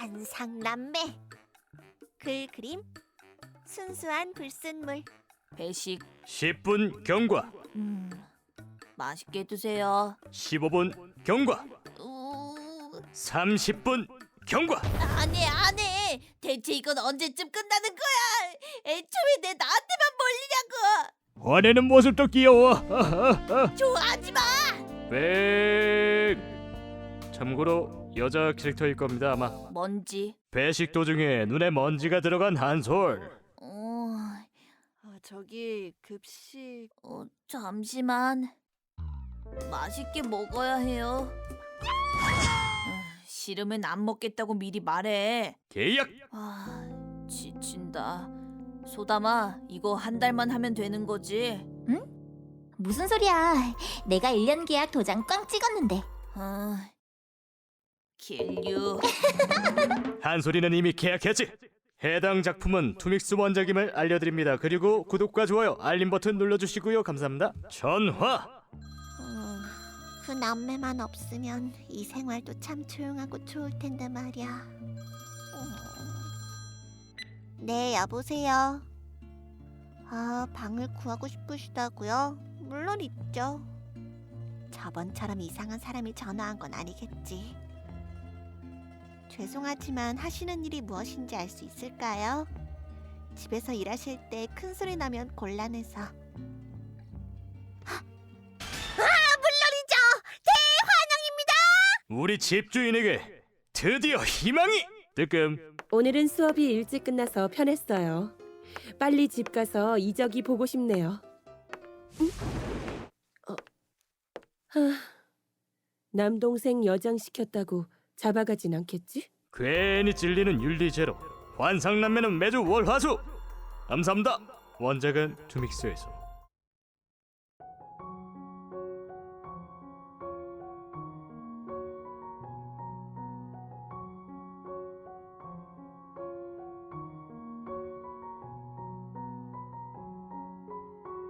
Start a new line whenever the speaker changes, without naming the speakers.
환상남매. 글 그림 순수한 불순물.
배식.
10분 경과.
맛있게 드세요.
15분 경과. 30분 경과.
안해 안해. 대체 이건 언제쯤 끝나는 거야? 애초에 내 나한테만 몰리냐고.
화내는 모습도 귀여워.
좋아하지 마.
백. 참고로 여자 캐릭터일 겁니다 아마.
먼지.
배식 도중에 눈에 먼지가 들어간 한솔.
저기 급식.
잠시만. 맛있게 먹어야 해요. 싫으면 안 먹겠다고 미리 말해.
계약.
지친다. 소담아, 이거 한 달만 하면 되는 거지?
무슨 소리야? 내가 1년 계약 도장 꽝 찍었는데.
길류.
한솔이는 이미 계약했지. 해당 작품은 투믹스 원작임을 알려드립니다. 그리고 구독과 좋아요, 알림 버튼 눌러주시고요. 감사합니다. 전화.
그 남매만 없으면 이 생활도 참 조용하고 좋을 텐데 말이야. 네, 여보세요. 방을 구하고 싶으시다고요? 물론 있죠. 저번처럼 이상한 사람이 전화한 건 아니겠지. 죄송하지만 하시는 일이 무엇인지 알 수 있을까요? 집에서 일하실 때 큰 소리 나면 곤란해서. 물론이죠. 대환영입니다.
우리 집주인에게 드디어 희망이. 뜨끔.
오늘은 수업이 일찍 끝나서 편했어요. 빨리 집 가서 이적이 보고 싶네요. 남동생 여장시켰다고 잡아가진 않겠지?
괜히 찔리는 윤리제로. 환상남매는 매주 월화수. 감사합니다. 원작은 투믹스에서.